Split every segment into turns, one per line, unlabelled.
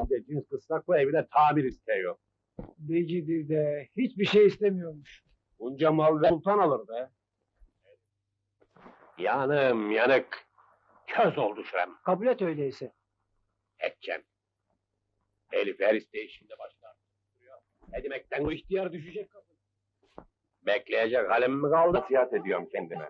Bir de cins kısrak bu evine tamir istiyor.
Becidi de hiçbir şey istemiyormuş.
Bunca mal ve sultan alır be. Yanım yanık. Köz oldu şurem.
Kabul et öyleyse.
Edeceğim. Elif her isteyişinde başlar. Ne demekten bu ihtiyar düşecek kadın. Bekleyecek halim mi kaldı? Nasihat ediyorum kendime.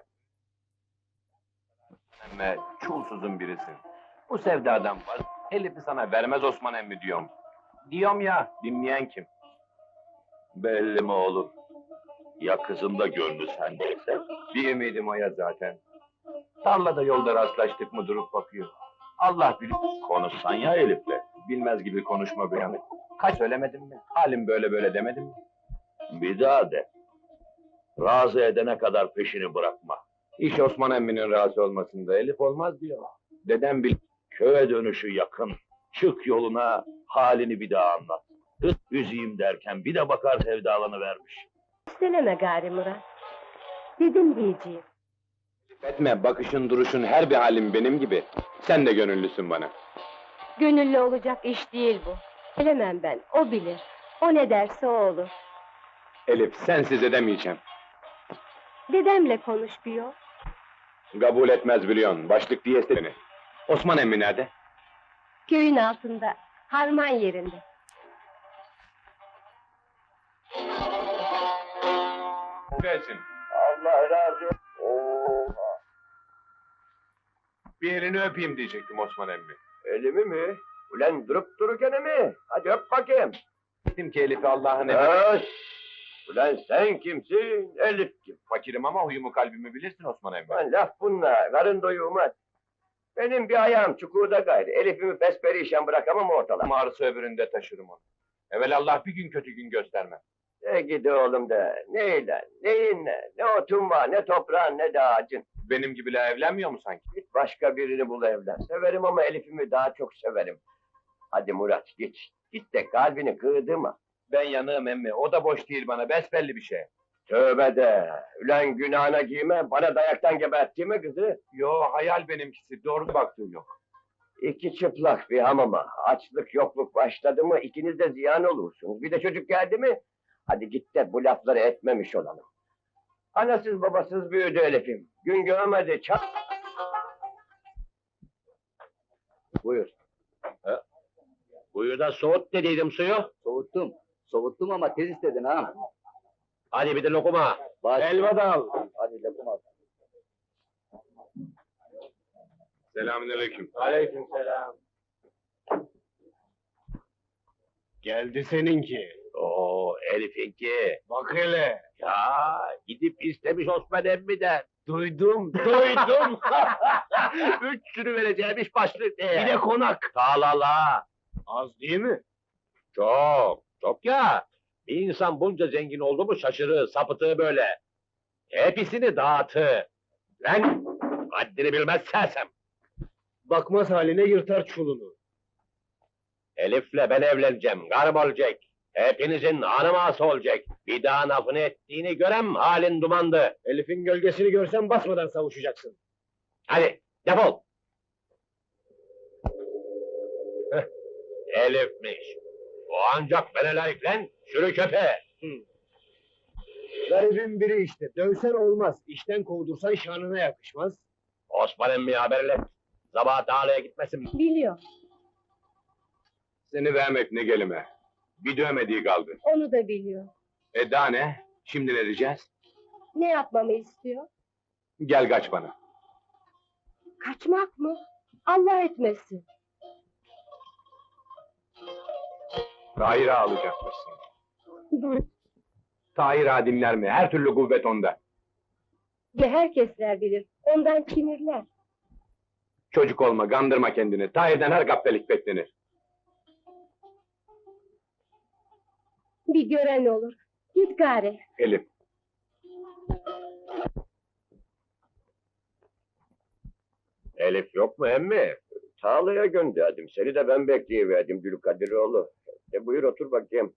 Emme çulsuzun birisin. Bu sevdadan var. Elif'i sana vermez Osman emmi diyorum. Diyorum ya, dinleyen kim?
Belli mi oğlum? Ya kızın da gönlü sendeyse?
Bir ümidim o ya zaten. Tarlada yolda rastlaştık mı durup bakıyor. Allah bilir.
Konuşsan ya Elif'le.
Bilmez gibi konuşma bir yanı. Kaç söylemedim mi? Halim böyle böyle demedim mi?
Bir daha de. Razı edene kadar peşini bırakma.
İş Osman emminin razı olmasında Elif olmaz diyor. Dedem bil.
Köye dönüşü yakın. Çık yoluna, halini bir daha anlat. Hıt üzeyim derken bir de bakar sevdalanıvermiş.
İsteleme gari Murat. Dedim diyeceğim.
Etme, bakışın duruşun her bir halim benim gibi. Sen de gönüllüsün bana.
Gönüllü olacak iş değil bu. Bilemem ben, o bilir. O ne derse o olur.
Elif, sensiz edemeyeceğim.
Dedemle konuş bir yol.
Kabul etmez biliyorsun, başlık diye beni. Osman emmi nerede?
Köyün altında, harman yerinde.
Gelsin.
Allah razı olsun.
Bir elini öpeyim diyecektim Osman emmi.
Elimi mi? Ulan durup dururken mi? Hadi öp bakayım.
Dedim ki Elif'i Allah'ın emri.
Öş! Ulan sen kimsin? Elif kim?
Fakirim ama huyumu kalbimi bilirsin Osman emmi.
Lan laf bunlar, karın doyurmaz. Benim bir ayağım çukurda gayrı. Elif'imi pesperişan bırakamam ortalığa.
Ağrısı öbüründe taşırım onu. Evelallah bir gün kötü gün göstermez.
De gidi oğlum de. Neyle, neyinle? Ne otun var, ne toprağın, ne de ağacın.
Benim gibiler evlenmiyor mu sanki?
Git başka birini bul evlen. Severim ama Elif'imi daha çok severim. Hadi Murat git. Git de kalbini kırdırma.
Ben yanığım emmi, o da boş değil bana, besbelli bir şey.
Tövbe de. Ulan günahına giyme, bana dayaktan gebertti mi kızı?
Yo, hayal benimkisi, doğru baktığı yok.
İki çıplak bir hamama. Açlık yokluk başladı mı ikiniz de ziyan olursunuz. Bir de çocuk geldi mi? Hadi git de bu lafları etmemiş olalım. Anasız babasız büyüdü Elif'im. Gün görmedi çak. Buyur.
Buyu da soğut dediydim suyu.
Soğuttum. Soğuttum ama tez istedin ha.
Hadi bir de lokuma.
Baş.
Helva da al.
Hadi lokum al.
Selamünaleyküm.
Aleykümselam.
Geldi seninki.
Oo Elif'inki.
Bak hele.
Ya gidip istemiş Osman emmiden.
Duydum.
Üç sürü vereceğimiş başlık diye.
Bir de konak.
Talala.
Az değil mi?
Çok, çok ya. Bir insan bunca zengin oldu mu şaşırır, sapıtır böyle. Hepsini dağıtır. Lan, haddini bilmez sersem.
Bakmaz haline yırtar çulunu.
Elif'le ben evleneceğim, karım olacak. Hepinizin anıması olacak. Bir daha lafını ettiğini görem, halin dumandı.
Elif'in gölgesini görsen basmadan savuşacaksın.
Hadi, defol. Heh, Elif'miş. O ancak bana layık lan, sürü köpeğe.
Garibin biri işte. Dövsen olmaz. İşten kovdursan şanına yakışmaz.
Osman emmiye haberle. Sabah dağlaya gitmesin.
Biliyor,
Seni vermek ne gelime. Bir dövmediği kaldı.
onu da biliyor.
Daha ne? Şimdi ne diyeceğiz?
Ne yapmamı istiyor?
Gel kaç bana.
Kaçmak mı? Allah etmesin.
Tahir'i alacakmışsın. Tahir dinler mi? Her türlü kuvvet onda.
Ve herkesler bilir, ondan kinirler.
Çocuk olma, gandırma kendini. Tahir'den her gaptelik beklenir.
Bir gören olur. Git gari.
Elif.
Elif yok mu emmi? Tağlaya gönderdim. Seni de ben bekleyiverdim Dülkadiroğlu. Buyur otur bakayım.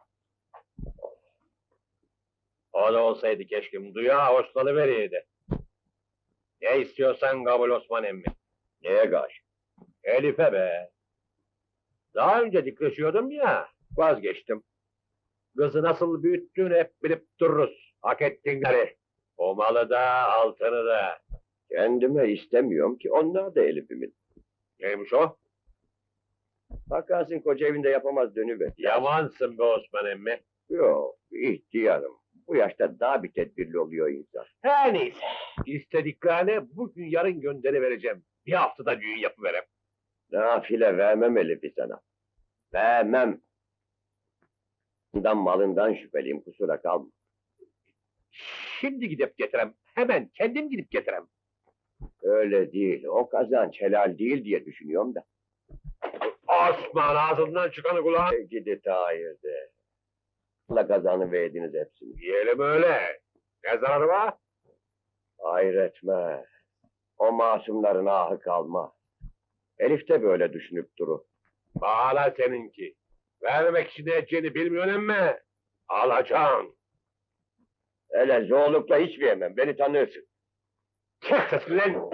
O da olsaydı keşke duya hoşlanıveriydi. Ne istiyorsan kabul Osman emmi. Neye karşı? Elif'e be.
Daha önce dikleşiyordum ya, vazgeçtim. Kızı nasıl büyüttüğünü hep bilip dururuz. Hak ettinleri. O malı da, altını da.
Kendime istemiyorum ki onlar da Elif'imin.
Neymiş o?
Bakarsın koca evinde yapamaz dönüver.
Yamansın be Osman emmi.
Yok, ihtiyarım. Bu yaşta daha bir tedbirli oluyor insan.
Her neyse. İstediklerine bugün yarın gönderi vereceğim. Bir haftada düğün yapıverem.
Nafile vermem Elif'i sana. Vermem. Bundan malından şüpheliyim, kusura kalma.
Şimdi gidip getirem. Hemen kendim gidip getirem.
Öyle değil, o kazanç helal değil diye düşünüyorum da.
Osman ağzından çıkanı kulağın.
Gidi Tahir'de. Allah kazanı verdiniz hepsini.
Diyelim öyle. Ne zararı var?
Hayretme. O masumların ahı kalmaz. Elif de böyle düşünüp durur.
Bağla seninki. Vermek için edeceğini bilmiyorsun emme. Alacaksın.
Hele zoğlukla hiç vermem, beni tanırsın.
Çek sesini lan.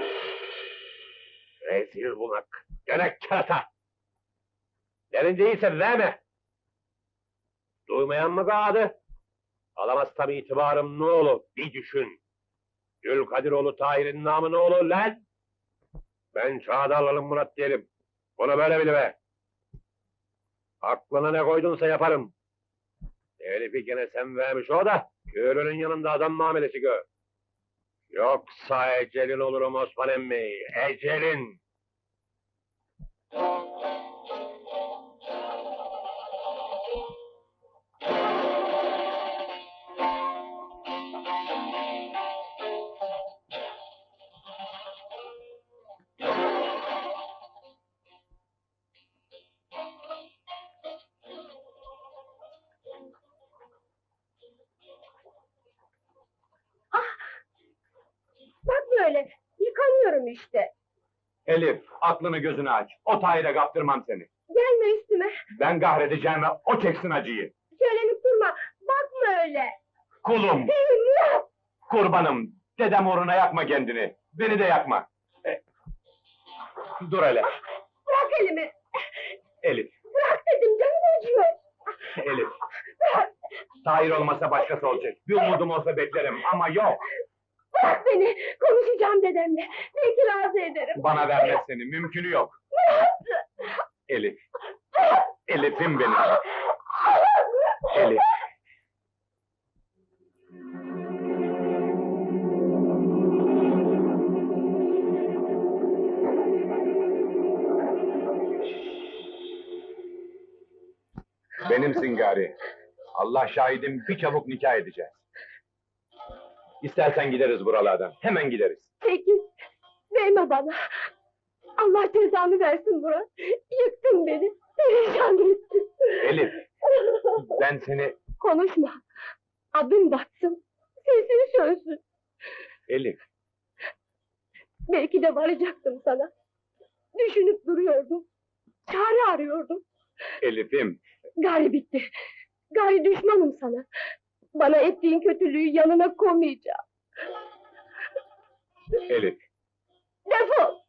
Rezil bunak. Gene kerata. Derin değilse verme. Duymayan mı kaldı? Alamazsam itibarım ne olur bir düşün. Gülkadiroğlu Tahir'in namı ne olur lan? Ben Çağdarlı'nın Murat değilim. Bunu böyle bilme. Aklına ne koydunsa yaparım. Elif'i gene sen vermiş o da, köylünün yanında adam muamelesi gör. Yoksa ecelin olurum Osman emmi, ecelin.
Bak böyle, yıkanıyorum işte.
Elif, aklını gözünü aç. O Tahir'e kaptırmam seni.
Gelme üstüme,
Ben kahredeceğime o çeksin acıyı.
söylenip durma. Bakma öyle.
Kulum, kurbanım. Dedem uğruna yakma kendini. Beni de yakma. Dur hele.
Bırak elimi.
Elif,
Bırak dedim, canım acıyor.
Elif. Tahir olmasa başkası olacak. Bir umudum olsa beklerim ama yok.
Bırak beni, konuşacağım dedemle. Belki razı ederim.
Bana vermez seni, mümkünü yok. Elif. Elif'im benim. Elif. Benimsin gari. Allah şahidim bir çabuk nikah edeceğiz. İstersen gideriz buralardan. Hemen gideriz.
Peki, verme bana. Allah cezanı versin Murat. Yıktın beni, perişan ettin.
Elif, ben seni...
Konuşma. Adım batsın, sesin sönsün.
Elif,
Belki de varacaktım sana. Düşünüp duruyordum. Çare arıyordum.
Elif'im.
Gari bitti. Gari düşmanım sana. Bana ettiğin kötülüğü yanına koymayacağım.
Elif.
Defol!